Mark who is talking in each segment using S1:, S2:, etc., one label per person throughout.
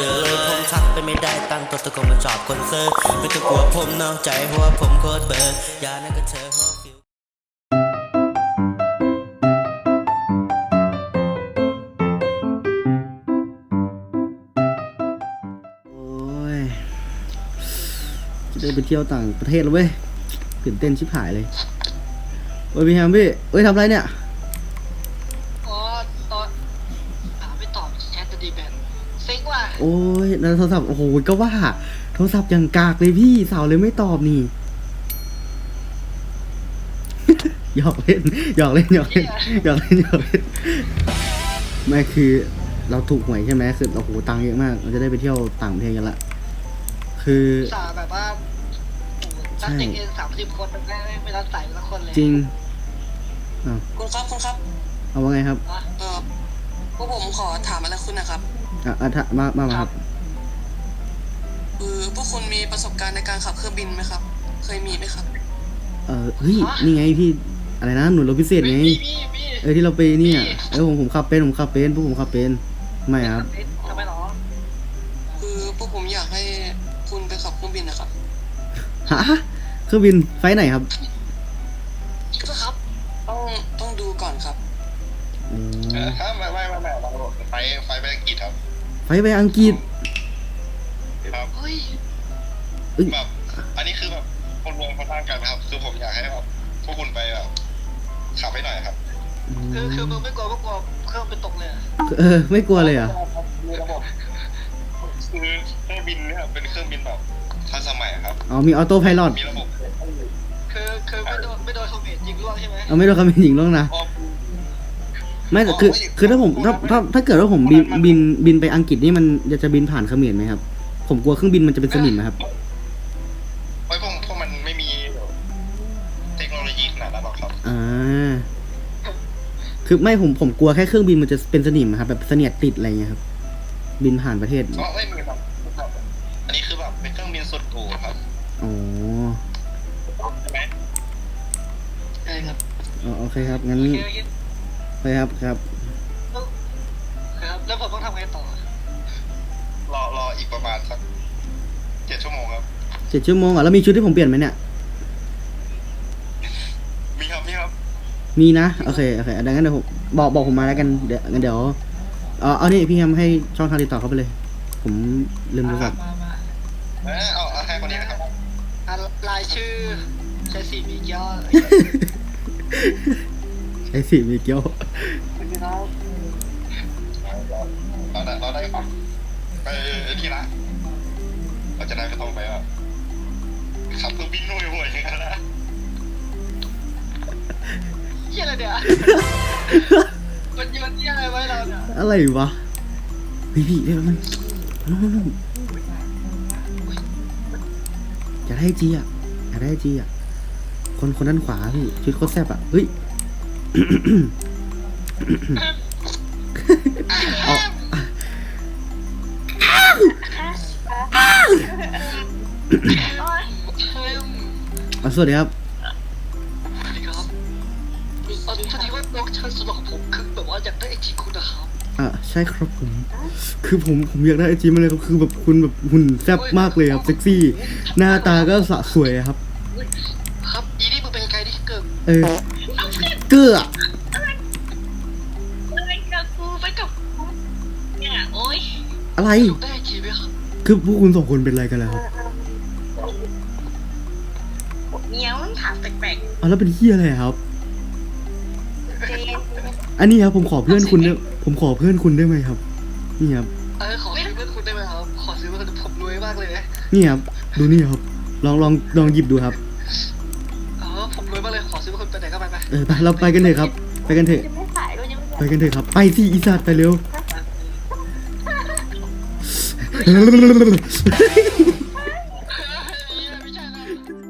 S1: จอเลยผมทักไปไม่ได้ตั้งตัวตะโกนมาจอบคนเซอร์ไม่ต้องกลัวผมนอกใจเพราะว่าผมโคตรเบอร์อย่านั่นก็เธอหัวฟิว
S2: โอ้ยจะได้ไปเที่ยวต่างประเทศแล้วเว้ยตื่นเต้นชิบหายเลยโอ้ยพี่แฮมพี่เอ้ยทำไรเนี่ย
S3: อ๋อตอนไม่ตอบแชทจะดีแบนเซ็งว่ะ
S2: โอ้ยในโทรศัพท์โอ้โหก็ว่าโทรศัพท์อย่างกากเลยพี่สาวเลยไม่ตอบนี่ หยอกเล่นหยอกเล่นหยอกเล่นหยอกเล่นหยอกเล่นไม่คือเราถูกหวยใช่ไหมคือโอ้โหตังค์เยอะมากเราจะได้ไปเที่ยวต่างประเทศกันละคือ
S3: สาแบบว่านักเด็กเอ็น30 คนมันไม่รับสายละคนเลย
S2: จริง
S4: คุณครับ
S2: เอาว่าไงครับ
S4: พวกผมขอถามอะไรคุณนะครับ
S2: ถ้ามาครับ
S4: พวกคุณมีประสบการณ์ในการขับเครื่องบินไหมครับ เคยมีไหมครับ
S2: เฮ้ยนี่ไงพี่อะไรนะหน่วยรบพิเศษไงที่เราไปเนี่ยผมขับเป็นพวกผมขับเป็นไม่ครับ
S3: ทำไมหรอ
S4: พวกผมอยากให้คุณไปขับเครื่องบินนะครับ
S2: ฮะเครื่องบินไฟไหนครับ
S3: ก็ครับ
S4: ต้องดูก่อนครับ
S5: ถ้าไม่เราไฟไปอังกฤษครับ
S2: ไฟไปอังกฤษ
S5: ครับ
S3: เฮ้ย
S5: แบบอันนี้คือแบบคนรวมเขาตั้งกันครับ คือผมอยากให้แบบพวกคุณไปแบบขับให้หน่อยครับ
S3: คือมึงไม่กลัวเครื่องไปตกเลย
S2: ไม่กลัวเลยอ่ะ
S5: มีระบบคือเครื่องบินเนี่ยเป็นเครื่องบินแบบทันสมัยครับ
S2: มีออโต้ไพลอต
S5: มีระบบ
S3: คือไม่โดนคอมเมนต์ยิงร่วงใช่ไหม
S2: ไม่โดนคำเป็นหญิงล่วงนะไม่แต่คือถ้าผมถ้าเกิดว่าผมบินไปอังกฤษนี่มันจะบินผ่านเขมรไหมครับผมกลัวเครื่องบินมันจะเป็นสนิมนะครับ
S5: ไว้พวกมันไม่มีเทคโนโลยีขนาดนั้นหรอกครับ
S2: คือไม่ผมกลัวแค่เครื่องบินมันจะเป็นสนิมครับแบบเสนียดติดอะไรเงี้ยครับบินผ่านประเทศ
S5: ก็ไม่มีครับอันนี้คือแบบเป็นเครื่องบินสุดหรูครับ
S2: อ๋อ
S5: ใช่ไหม
S3: ใช่ครับ
S2: โอเคครับงั้นไปครับ
S3: ครับแล้วผมต้องทำไงต่อ
S5: รออีกประมาณสัก7 ชั่วโมงครับ
S2: 7 ชั่วโมงแล้วมีชุดที่ผมเปลี่ยนไหมเนี่ย
S5: มีครับ
S2: มีนะโอเคดังนั้นเดี๋ยวผมบอกผมมาแล้วกันเดี๋ยวเอานี่พี่แฮมให้ช่องทางติดต่อเขาไปเลย ผมลืมโทรศัพท์
S5: เอาให้คนนี้นะครับ
S3: รายชื่อใช้สีมีเกี้ยว
S2: ใช้สีมีเกี้ยว
S3: พี่น้อง
S5: เราได้ครับไปที่ละเราจะได้ไม่ต้องไปแบบขับเครื่องบินห่วยๆอย่างนั้นนะ
S3: เหี้ยอะไรเนี่ยมันโยนเหี้ยอะไรไว้เราเนี่ย
S2: อะไรวะพี่เดี๋ยวมันอยากได้จีอ่ะคนด้านขวาพี่ชุดโคตรแซ่บอ่ะเฮ้ยสวัสดีครับ
S3: สวัสดีครับพอดีว่าน้องชายสุดหล่อของผมคือแบบว่าอยากได้ไอจีคุณนะครับ
S2: ใช่ครับคือผมอยากได้ไอจีมาเลยครับคือแบบคุณแบบหุ่นแซ่บมากเลยครับเซ็กซี่หน้าตาก็สะสวยครับ
S3: ครับอีนี่มึงเป็นใครที่เกิด
S2: เกือ
S6: ไปกับกูเนี่ยโอ๊ย
S2: อะไร
S3: ได้ไอจีไหมครับ
S2: คือพวกคุณ2 คนเป็นอะไรกันแล้วครับ
S6: เนี้ยมันถามแปลก
S2: แล้วเป็นเฮียอะไรครับ
S6: ๆเจน
S2: อันนี้ครับผมขอเพื่อนคุณได้ไหมครับนี่ครับ
S3: ขอซื้อเพื่อนคุณได้ไหมครับขอซื้อเพื่อนผมรวยมากเลยนะ
S2: นี่ครับดูนี่ครับลองหยิบดูครับ
S3: ผมรวยมากเลยขอซื้อเพื่อนคุณไปไหนก็ไป
S2: ไปเราไปกันเถอะครับไปกันเถอะ
S6: ยังไม่ขายด้วยยังไม่
S2: ไปกันเถอะครับไปสิอีสัตว์ไปเร็ว
S3: ไม่ใช่นะ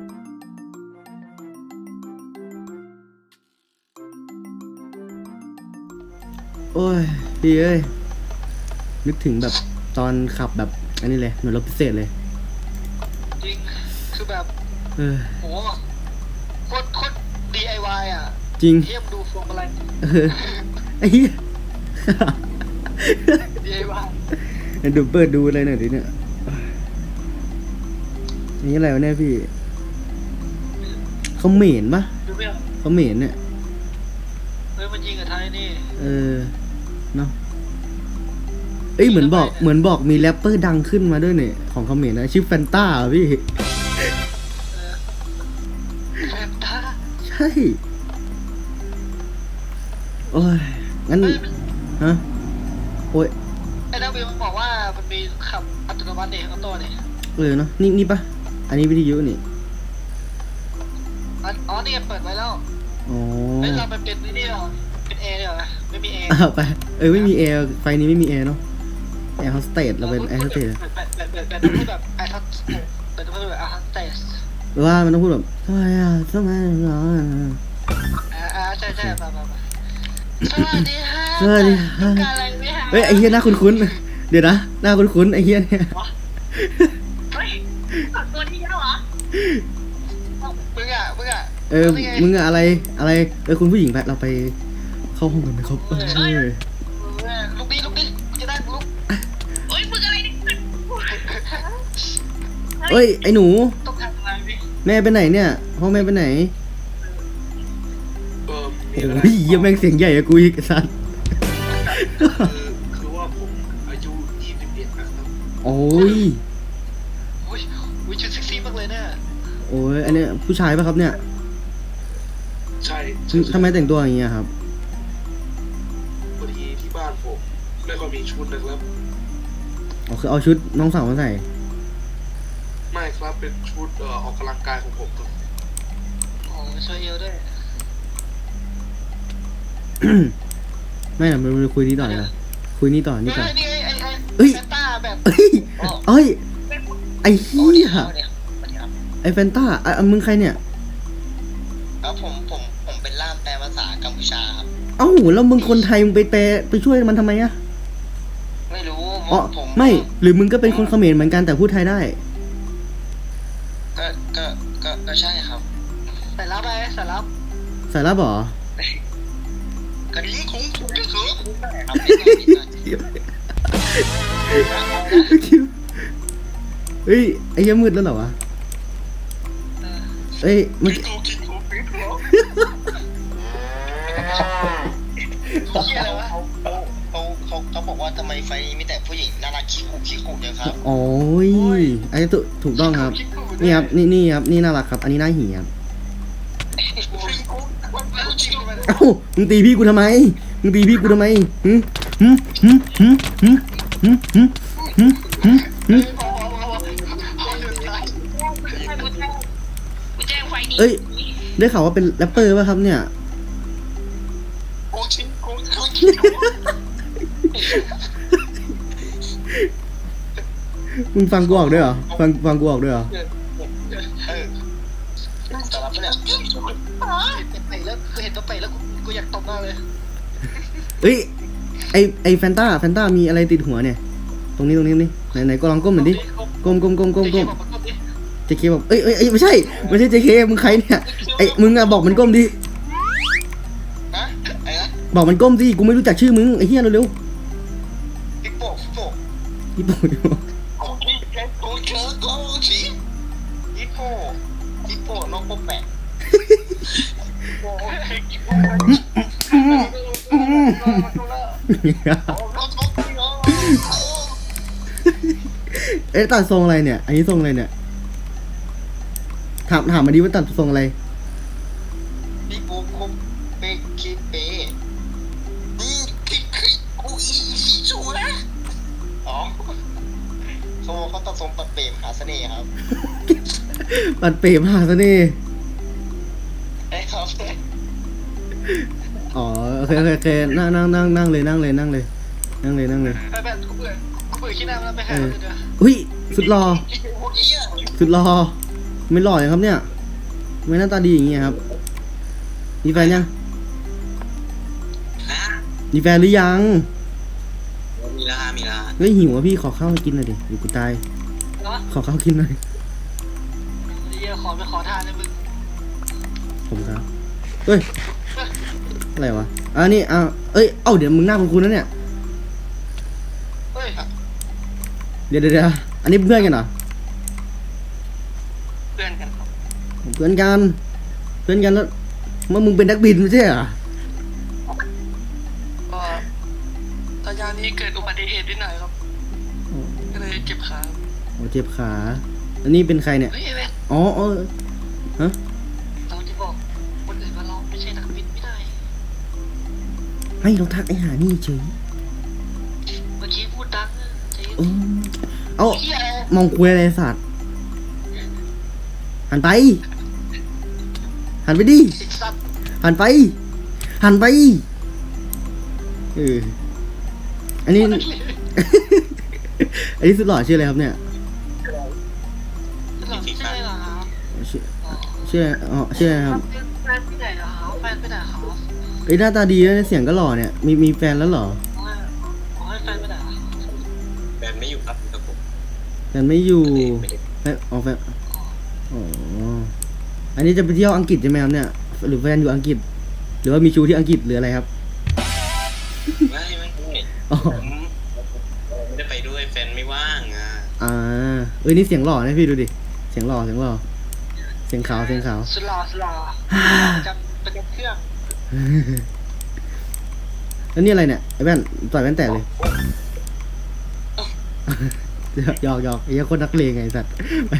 S2: โอ้ยพี่เอ้ยนึกถึงแบบตอนขับแบบอันนี้เลยหน่วยรบพิเศษเลย
S3: จริงคือแบบโหโคตร DIY อ่ะ
S2: จริง
S3: เทียบดูพวงมาลัย
S2: ไอ้เหี้ย
S3: DIY
S2: เดี๋ยวเปิดดูอะไรหน่อยดิเนี่ยนี่อะไรวะเนี่ยพี่เขาเหม็นปะ
S3: ดูไม่ออก
S2: เขาเหม็นเนี่ย
S3: มันยิงกับไทยนี่
S2: เนาะเอ้ยเหมือนบอกมีแรปเปอร์ดังขึ้นมาด้วยเนี่ยของเขมรนะชื่อแฟนต้าพี่
S3: แฟนตา
S2: ใช่โอ้ยงั้นฮะโอ้ย
S3: ไอ้ดาวิมันบอกว่ามันมีขับอัตโนมัติเนี่ยข้างตัวเนี่ย
S2: เนาะนี่ปะอันนี้วิทยุนี่
S3: อ๋อนี่เปิดไว้แล้ว
S2: อ๋อ
S3: เฮ้ยเรามันเป็นนี่เหรอเป็นแอร์เหรอไม่มีแอร์
S2: ไปไม่มีแอร์ไฟนี้ไม่มีแอร์เนาะแอร์โฮสเตสเราเป็นแอร์โฮสเตส
S3: แบบพูดแบบไอ้ทัศแบบพูดแบบไอ้ทัศเตส
S2: หรือว่ามันต้องพูดแบบทำไมทำไมเหรอ
S3: ใช่มาสวัสดีค่ะ
S2: สวัสดีค่ะ
S3: ต้องการอะไรไหมคะ
S2: เฮ้ยไอ้เฮียหน้าคุ้นๆเดี๋ยวนะหน้าคุ้นๆไอ้เฮียเนี่ย
S6: เฮ้ยฝากตัวที่แล้วเหรอ
S3: มึงอ่ะ
S2: มึงอะอะไรคุณผู้หญิงไปเราไปเข้าห้องกันไหมครับ
S3: ลุกดิจะได้ลุก
S6: โอ้ยมึงอะไรเนี่ย
S2: เฮ้ยไอ้หนู
S3: ต้องการอะไรพี่
S2: แม่ไปไหนเนี่ยพ่อแม่ไปไหน
S5: มีอะไร
S2: โอ้ยเหี้ยแม่งเสียงใหญ่อะกูอีกไอ้สัส
S5: คือว่าผมอายุ21นะครับ
S2: โอ้ย
S3: อุ้ยชุดเซ็กซี่มากเลยเนี่ย
S2: โอ้ยอันเนี้ยผู้ชายปะครับเนี่ย
S5: ใช่
S2: ทำไมแต่งตัวอย่างเงี้ยครับ
S5: พอดีที่บ้านผมไม่ค่อยมีชุดนะครับ
S2: อ๋อคือเอาชุดน้องสาวมาใส่
S5: ไม่ครับเป็นชุดออกกำลังกายของผมครับ
S3: โอ้ช่วยเยอะด้วย
S2: ไม่หรอกมันคุยนี้ต่อเลยคุยนี่ต่อนี่ต่อ
S3: นี่ไอ้
S2: เอ้ย
S3: แฟนต้าแบบ
S2: เอ้ยไอ้เหี้ยไอ้แฟนต้ามึงใครเนี่ย
S4: ครับผมเป็นล่ามแปลภาษากัมพูชาครับ
S2: เอ้าแล้วมึงคนไทยมึงไปแปลไปช่วยมันทำไมอะ
S4: ไม่รู้
S2: อ๋อ
S4: ผม
S2: ไม่หรือมึงก็เป็นคนเขมรเหมือนกันแต่พูดไทยได้
S4: ก็ใช่ครับ
S3: ใส่รับไปใส่รับ
S2: สายลับเหรอ
S4: กระดิ่งคุ้งถูกที่สุดครับ
S2: เฮ้ยไอ้เหี้ยมืดแล้วเหรอวะเอ้ยมัน
S3: เฮียอะไรวะ
S4: เขาบอกว่าทำไมไฟมีแต่ผู้หญิงน่ารักขี้คุเนี่ยครับ
S2: โอ้ยไอ้ถูกต้องครับ นี่ครับนี่ครับนี่น่ารักครับ อันนี้น่าหี่ครับเอ้ามึงตีพี่กูทำไมหึหึหึหึหึหึหึหึหึ
S6: กูแจ้งไฟดี
S2: เอ้ยได้ข่าวว่าเป็นแรปเปอร์ป่ะครับเนี่ย
S3: โอ้ชิ้นโอ้
S2: มึงฟังกูออกด้วยเหรอฟังกูออกด้วยเหรอ
S3: สารพัดเนี่ยเห็นตัวไปแล้วกูอยากตบหน้าเลย
S2: เอ้ยไอแฟนต้ามีอะไรติดหัวเนี่ย ตรงนี้ไหนก็ลองก้มหน่อยดิก้มเจเคบอกเอ้ยไม่ใช่เจเคมึงใครเนี่ยไอมึงอะบอกมันก้มดิ
S4: ฮะไอ้นะ
S2: บอกมันก้มดิกูไม่รู้จักชื่อมึงไอ้เหี้ยเร็ว
S4: ฮิปโป
S2: ๆญี่ปุ่น
S4: โอเคโอเคโอเคฮิปโปน้องโปแปะ
S2: เอ๊ะตัดทรงอะไรเนี่ย อันนี้ทรงอะไรเนี่ยถามมาดิว่าตัดทรงอะไร
S4: ฮิปโปคมเปคิเปนี่คิกูอีสีชัวอ๋อเขาตัดทรงปัดเปรมหาเสน่ห์ครับ
S2: ปัดเปรมหาเสน่ห์
S4: ไอ้ครับ
S2: อ๋อโอเคนั่งเลย
S3: แบบกูเบื่อขี้หน้าแล้วไปหาเลยเด้อ
S2: อุ้ยสุดหล่อ
S4: โอ้ยเหี้ย
S2: สุดหล่อไม่หล่อเลยครับเนี่ยไม่หน้าตาดีอย่างเงี้ยครับมีแฟนยังมีแฟนหรือยัง
S4: มีละมีละ
S2: เฮ้ยหิวอ่ะพี่ขอข้าวมากินหน่อยดิอยู่กูตาย
S3: เนาะ
S2: ขอข้าวกินหน่อย
S3: เฮียขอไปขอทานเลยมึง
S2: ผมครับเฮ้ยอะไรวะอันนี้เอ้ยเดี๋ยวมึงหน้าคุณนะเนี่ย
S3: เฮ้ย
S2: เดี๋ยวอันนี้เพื่อนกันเหรอ
S3: เพื่อนกันครับ
S2: เพื่อนกันแล้วเมื่อมึงเป็นนักบินไม่ใช่เหรอ
S3: ก็ตอนยามนี้เกิดอุบัติเหตุนิดหน่อยครับก็เลยเจ็บขา
S2: โอ้เจ็บขา อันนี้เป็นใครเนี่ย
S3: เฮ้ยเว้ย
S2: อ๋อฮะ
S3: เราจะบอกคนอื่นว่าเราไม่ใช่นักบินไม่ได้
S2: ให้เราทักไอ้หานี่เฉย
S3: เมื่อกี้พูดดังอะใจเย็น
S2: เออเอา
S3: เฮีย
S2: มองคุยอะไรสัตว์หันไปดิ
S3: สิสัตว์
S2: หันไปเอออันนี้ อันนี้สุดหล่อชื่ออะไรครับเนี่ย
S3: หลังใช่เหรอครับ
S2: ชื่ออะไรอ๋อชื่ออะไรครับ
S3: แฟนไปไหนเหรอครับแฟนไปไหนครับ
S2: เอ้ยหน้าตาดีนะเสียงก็หล่อเนี่ยมีแฟนแล้วเหรอ
S3: ขอให้แฟนไปไหนครับ
S5: แฟนไม่อยู่ครับครับผม
S2: แฟนไม่อยู่
S5: ไม่ได้
S2: แฟนอ๋อแฟนอ๋ออันนี้จะไปเที่ยวอังกฤษใช่ไหมครับเนี่ยหรือแฟนอยู่อังกฤษ หรือว่ามีชูที่อังกฤษหรืออะไรครับ
S5: ไม่
S2: อ๋อ
S5: ผมไม่ได้ไปด้วยแฟนไม่ว่างอ่ะ
S2: เอ้ยนี่เสียงหล่อนะพี่ดูดิเสียงหล่อเสียงขาว
S3: สุดหล่อประจำเครื่อง
S2: แล้วนี่อะไรเนี่ยไอ้แว่นต่อยแว่นแตกเลยหยอกไอ้เหี้ยคนนักเลงไงไอ้สัตว์ไป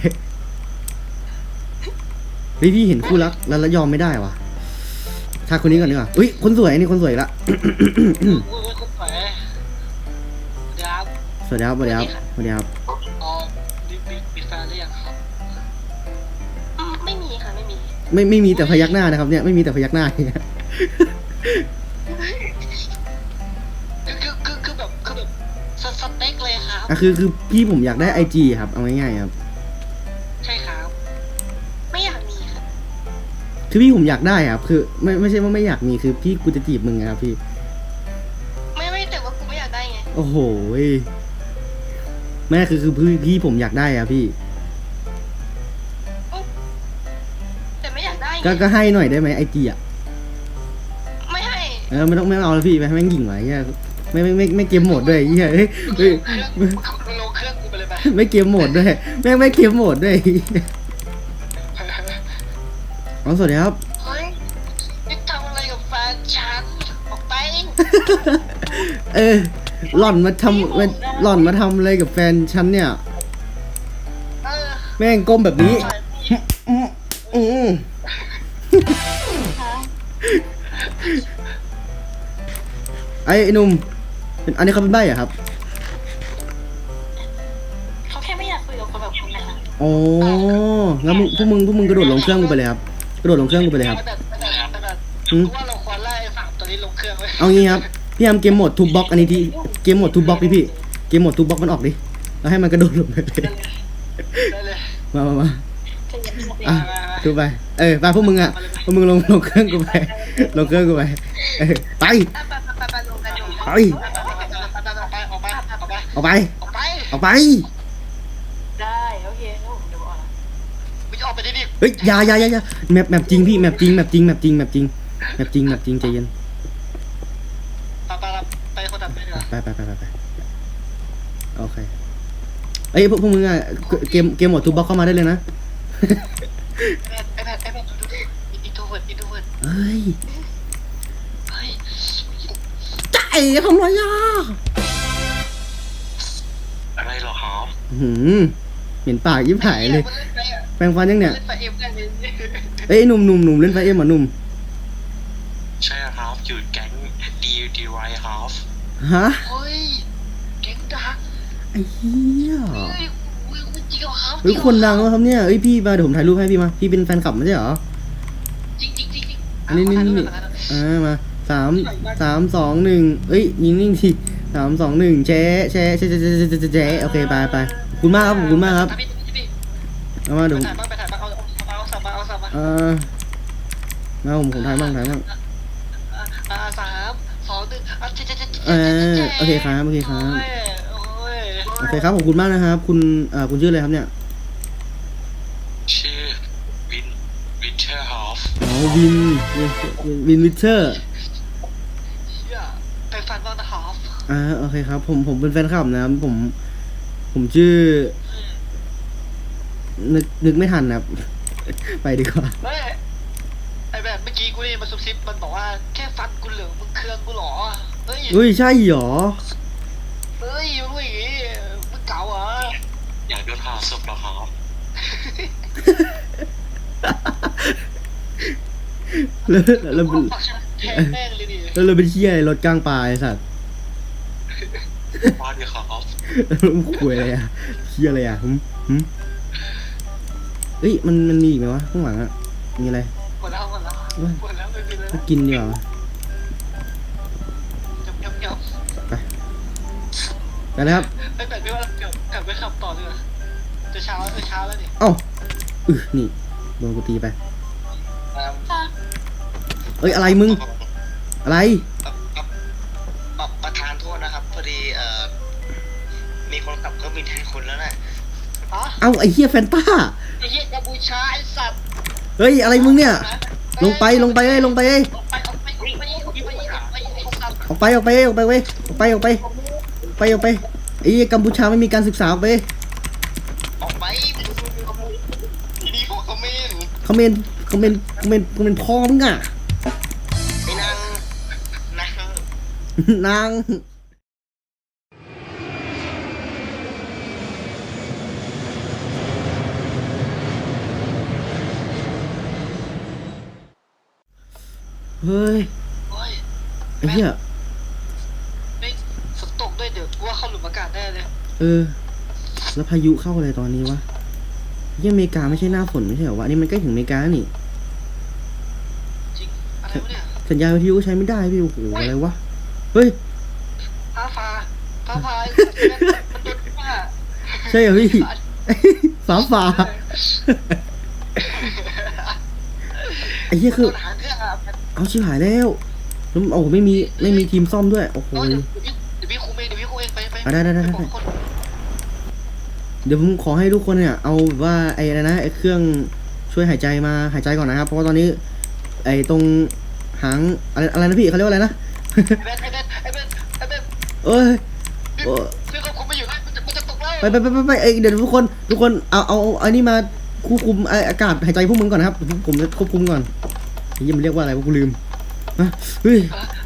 S2: เฮ้ยพี่เห็นคู่รักแล้วยอมไม่ได้วะถ้าคนนี้ก่อนดีกว่าอุ้ยคนสวยนี่คนสวยละ
S3: อุ้ยคนสวยเดี๋ยวครับ
S2: สวัสดีครับ
S3: อ๋อมีแฟนหรือยังครับไม่มีค่ะไม่มี
S2: ไม่มีแต่พยักหน้านะครับเนี่ยไม่มีแต่พยักหน้าเนี่ย
S3: คือแบบสเต็กเลยครับ
S2: คือพี่ผมอยากได้ไอจีครับเอาง่ายๆครับ
S3: ใช่ครับ ไม่อยากมีครับ
S2: คือพี่ผมอยากได้ครับคือไม่ใช่ว่าไม่อยากมีคือพี่กูจะจีบมึงไงครับพี่
S3: ไม่แต่ว่ากูไม่อยากได้ไง
S2: โอ้โหแม่คือพี่ผมอยากได้อะพี่
S3: แต่ไม่อยากได้ไง
S2: ก็ให้หน่อยได้ไหมไอจีอะ
S3: ไม่ให้
S2: ไม่ต้องเอาแล้วพี่ไปให้แม่งหยิ่งไว้เหี้ยไม่เกมโหมดด้วยเหี้ยเฮ้ย
S3: มึงลงเครื่องกูไปเลยไป
S2: ไม่เกมโหมดด้วยแม่งไม่เกมโหมดด้วยอ๋อสวัสดีครับ
S3: เฮ้ยนี่ทำอะไรกับแฟนฉันออกไป
S2: หล่อนมาทำอะไรกับแฟนฉันเนี่ย
S3: เออ
S2: แม่งก้มแบบนี้ไอ้หนุ่มอันนี้เขาเป็นใบ้เหรอครับ
S3: เขาแค่ไม่อยากคุยกับคนแบบคุณนะคะ
S2: อ๋องั้นพวกมึงกระโดดลงเครื่องกูไปเลยครับกระโดดลงเครื่องกูไปเลยครับ
S3: แต่ว่าเราควรไล่สามตัวนี้ลงเครื่องไว้
S2: เอางี้ครับพี่ทำเกมโหมดทูบ็อกอันนี้ที่เกมโหมดทูบ็อกพี่เกมโหมดทูบ็อกมันออกดิแล้วให้มันกระโดดลงไปเลย
S3: ได้เลย
S2: มาอ่ะดูไปไปพวกมึงลงเครื่องกูไปลงเครื่องกูไปไป
S3: ไปลงกันอยู่
S2: ไป
S3: ออกไป
S2: ออกไป
S3: ได้โอเคเดี๋ยวออกมึงจะออกไปดิ
S2: เฮ้ยอย่าแมปจริงพี่แมปจริงใจเย็น
S3: ไปคนตัดไปดีกว่า
S2: ไปโอเคเอ้ยพวกมึงอ่ะเกมโหมดทูบ็อกเข้ามาได้เลยนะ
S3: ไอ้แพทดูอินโทรเวิร์ด
S2: เฮ้ย
S3: เฮ้ย
S2: ใจทำไรอ่ะ
S5: อะไรหรอครับ
S2: เหม็นปากยิบหายเลยแปรงฟันยังเนี่ย
S3: เล่นไฟเอ็มกันเลย
S2: เอ้ยหนุ่มเล่นไฟเอ็มอ่ะหนุ่ม
S5: ใช่ครับอยู่แก๊งดีไวครับ
S2: ฮะ
S3: เฮ้ยเก่งดัง
S2: ไอ้เหี้ย
S3: เฮ้ยจริงเหรอครับ
S2: เฮ้ยคนดังแล้วครับเนี่ยเอ้ยพี่มาเดี๋ยวผมถ่ายรูปให้พี่มาพี่เป็นแฟนคลับไม่ใช่เหรอ
S3: จริง
S2: นี่มา3 2 1เอ้ยนิ่งๆที3 2 1แชร์โอเคไปขอบคุณมากครับเอามาเดี๋ยว
S3: ไปถ่ายบ้างเอาสับมา
S2: มาผมถ่ายบ้าง
S3: 3 2 1
S2: โอเคครับ
S3: โอ้ย
S2: โอเคครับขอบคุณมากนะครับคุณชื่ออะไรครับเนี่ย
S5: ชื่อวินเทอร์ฮอฟ
S2: อ๋อวินวิเทอร์
S3: ไปฟันบ้างนะครับ
S2: โอเคครับผมเป็นแฟนคลับนะครับผมผมชื่อ นึกไม่ทันนะครับ ไปดีกว่า
S3: เฮ้ยไอแบบเมื่อกี้กูนี่มาซุบซิบมันบอกว่าแค่ฟันกูเหลืองมึงเคืองกูเหรอเฮ้ย
S2: เฮ้ยใช่เหรอ
S3: เฮ้ยมึงอย่างงี้มึงเก่าเหรอ
S5: อยากโดนหาศพเหรอครับ
S2: แล้ว
S3: ปักชื่อแทงแม่งเลยดิ
S2: แล้วเราเป็นเชี่ยอะไรรถกลางป่าไอ้สัตว์
S5: มาดิครับ
S2: มึงคุยอะไรอะเชี่ยอะไรอะเอ้ยมันมีอีกไหมวะข้างหลังอะมีอะไร
S3: หมดแล้วไม่มีเลย
S2: ก็กินดีกว่า
S3: ยับ
S2: ไปเลยครับ
S3: ไอแบบไม่ว่าเกือบไปขับต่อเลยจะเช้าแล้วนี่
S2: เอ้านี่โดนกูตีไปเอ้ยอะไรมึงอะไร
S4: ประธานโทษนะครับพอดีมีคนขับเครื่องบินแทนคุณแล้วน่ะ
S3: อ๋อ
S2: เอ้าไอ้เหี้ยแฟนต้า
S3: ไอ้เหี้ยกัมพูชาไอ้สัตว์
S2: เฮ้ยอะไรมึงเนี่ยลงไปเอ้ย
S3: ออกไปไอ้สัตว์
S2: ออกไปเว้ยออกไปไอ้เหี้ยกัมพูชาไม่มีการศึกษาออกไป
S4: ออกไปทีนี้พวกเขาไม่เห็น
S2: คอมเมนต์พ่อมึงอ่ะ
S4: ไอ้นาง
S2: นางเฮ้ย
S3: โอ้ย
S2: ไอ้เหี้ย
S3: ไม่ฝนตกด้วยเดี๋ยวกูว่าเข้าหลุมอากาศแน่เลย
S2: แล้วพายุเข้าอะไรตอนนี้วะเหี้ยอเมริกาไม่ใช่หน้าฝนไม่ใช่เหรอวะอันนี่มันใกล้ถึงอเมริกาแล้วนี่
S3: จริงอะไรวะเนี่ย
S2: สัญญาณวิทยุใช้ไม่ได้พี่โอ้โหอะไรวะเฮ้ย
S3: ฟ้าพามันโดนฟ้า
S2: ใช่เหรอพี่ ฝาไอ้เหี้ยคือ
S3: โดนหางเครื่องอ่ะ
S2: เอาชิบหายแล้วแล้วโอ้โหไม่มีทีมซ่อมด้วยโอ้โห
S3: เดี๋ยวพี่คุมเองไป
S2: ได้
S3: บอกคน
S2: เดี๋ยวผมขอให้ทุกคนเนี่ยเอาแบบว่าไอ้อะไรนะไอ้เครื่องช่วยหายใจมาหายใจก่อนนะครับเพราะว่าตอนนี้ไอ้ตรงหางอะไรนะพี่เขาเรียกว่าอะไรนะ
S3: ไอ้เบน
S2: เอ้ยโอ้
S3: พี่ก็คุมไม่อยู่นะมันจะตกแล้ว
S2: ไปเอ้ยเดี๋ยวทุกคนเอาอันนี้มาควบคุมอากาศหายใจพวกมึงก่อนนะครับผมจะควบคุมก่อนไอ้ยี่มันเรียกว่าอะไรวะกูลืมเฮ้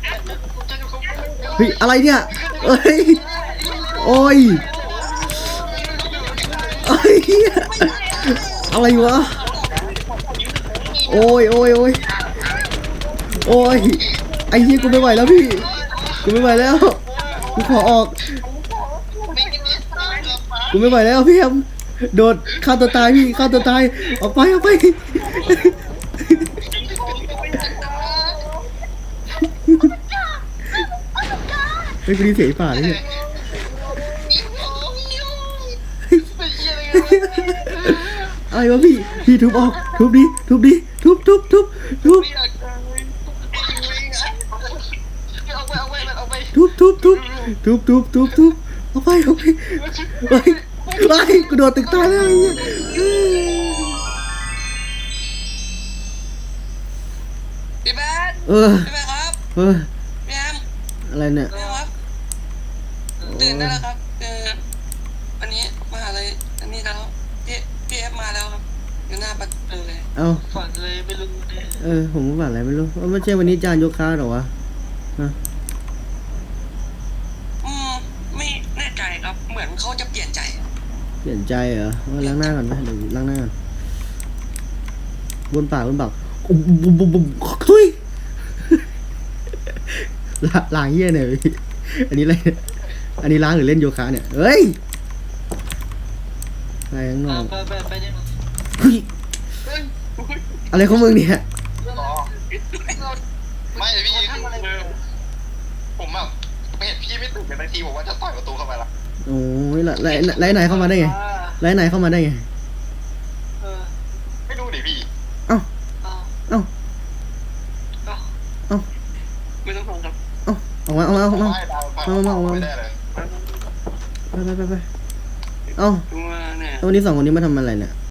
S2: ยอะไรเนี่ยเอ้ยโอ้ยอะไรวะโอ้ยไอ้เหี้ยกูไม่ไหวแล้วพี่กูไม่ไหวแล้วกูขอออกกูไม่ไหวแล้วพี่แอมโดดฆ่าตัวตายพี่ฆ่าตัวตายออกไปเฮ้ยกูดีเสียป่าเลยเนี่ยอะไรวะพี่ทุบออกทุบดิทุบ
S3: เอาไป
S2: ทุบเอาไปกูโดดตึกตายแล้วไอ้เหี้ย
S6: พี่แบน
S2: พี่แม่
S6: ครับ พี่แอม
S2: อะไรเนี่ย
S6: พี่ครับตื่นได้แล้วครับวันนี้มหาลัยอันนี้แล้วพี่เอฟมาแล้วครับอยู่หน้าประตูเลย
S2: เอ้า
S3: ฝันเลยไม่รู้เนี่ย
S2: ผมก็ฝันอะไรไม่รู้ว่าไม่ใช่วันนี้จานยกค้าหรอวะ
S6: ไม่แน่ใจครับเหมือนเขาจะเปลี่ยนใจ
S2: เปลี่ยนใจเหรอล้างหน้าก่อนไหมเดี๋ยวล้างหน้าก่อนบนปากบุมทุยล้างเหี้ยเนี่ยพี่อันนี้อะไรอันนี้ล้างหรือเล่นโยคะเนี่ยเฮ้ยอะไรข้างนอก
S3: ไปเนี่ย
S2: เฮ้ยอะไรของมึงเนี่ย
S5: ไม่พี่ผมแบบไม่เห็นพี่ไม่ตื่นกันนาทีผมว่าจะต่อยประตูเข้าไปละ
S2: โอ้ยแล้วไหนเข้ามาได้ไงแล้วไหนเข้ามาได้ไง
S5: ไม่รู้ดิพี่
S2: เอ้า
S6: ไม่ต้องห่วงครับ
S2: ออกมา
S5: ไม่ได้เลย
S2: ไปเอ้า
S6: ตัวเนี่ย
S2: วันนี้2 คนนี้มาทำอะไรเนี่ย